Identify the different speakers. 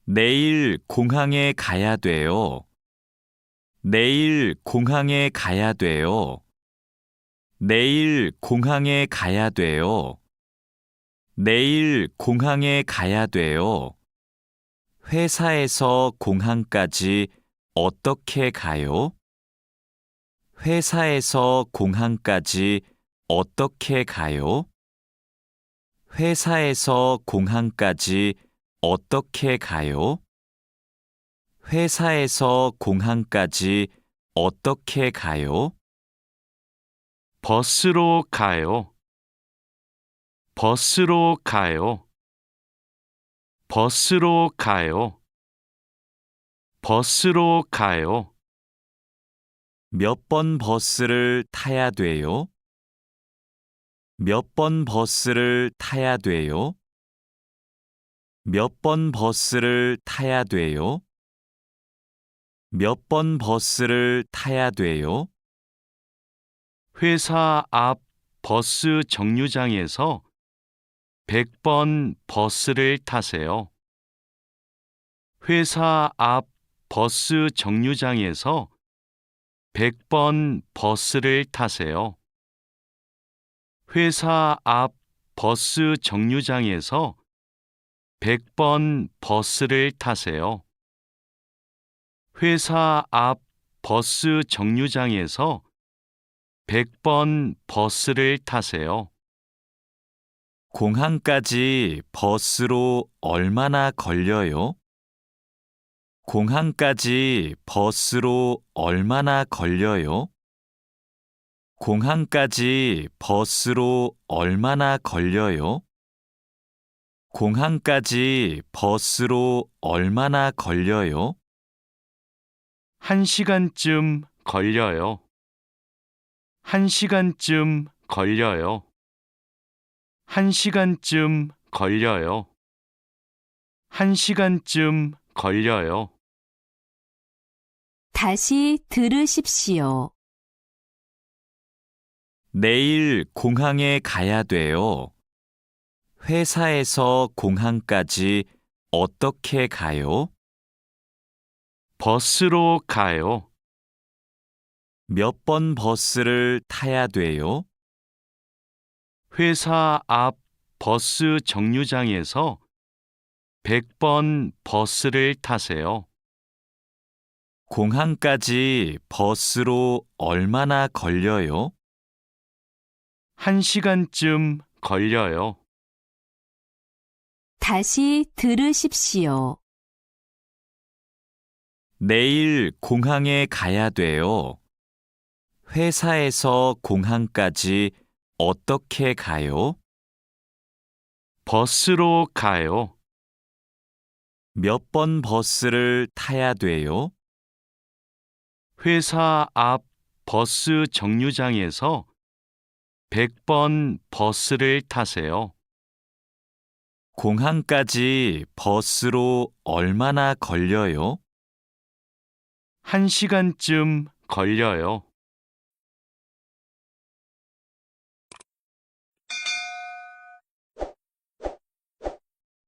Speaker 1: 내일 공항에 가야 돼요. 내일 공항에 가야 돼요. 내일 공항에 가야 돼요. 내일 공항에 가야 돼요. 회사에서 공항까지 어떻게 가요? 회사에서 공항까지 어떻게 가요? 회사에서 공항까지 어떻게 가요? 회사에서 공항까지 어떻게 가요?
Speaker 2: 버스로 가요. 버스로 가요. 버스로 가요. 버스로 가요.
Speaker 1: 몇 번 버스를 타야 돼요? 몇 번 버스를 타야 돼요? 몇 번 버스를 타야 돼요? 몇 번 버스를 타야 돼요?
Speaker 2: 회사 앞 버스 정류장에서 100번 버스를 타세요. 회사 앞 버스 정류장에서 100번 버스를 타세요. 회사 앞 버스 정류장에서 100번 버스를 타세요. 회사 앞 버스 정류장에서 100번 버스를 타세요.
Speaker 1: 공항까지 버스로 얼마나 걸려요? 공항까지 버스로 얼마나 걸려요? 공항까지 버스로 얼마나 걸려요? 공항까지 버스로 얼마나 걸려요?
Speaker 2: 1시간쯤 걸려요. 1시간쯤 걸려요. 1시간쯤 걸려요. 1시간쯤 걸려요.
Speaker 3: 다시 들으십시오.
Speaker 1: 내일 공항에 가야 돼요. 회사에서 공항까지 어떻게 가요?
Speaker 2: 버스로 가요.
Speaker 1: 몇 번 버스를 타야 돼요?
Speaker 2: 회사 앞 버스 정류장에서 100번 버스를 타세요.
Speaker 1: 공항까지 버스로 얼마나 걸려요?
Speaker 2: 1시간쯤 걸려요.
Speaker 3: 다시 들으십시오.
Speaker 1: 내일 공항에 가야 돼요. 회사에서 공항까지 어떻게 가요?
Speaker 2: 버스로 가요.
Speaker 1: 몇 번 버스를 타야 돼요?
Speaker 2: 회사 앞 버스 정류장에서 100번 버스를 타세요.
Speaker 1: 공항까지 버스로 얼마나 걸려요?
Speaker 2: 1시간쯤 걸려요.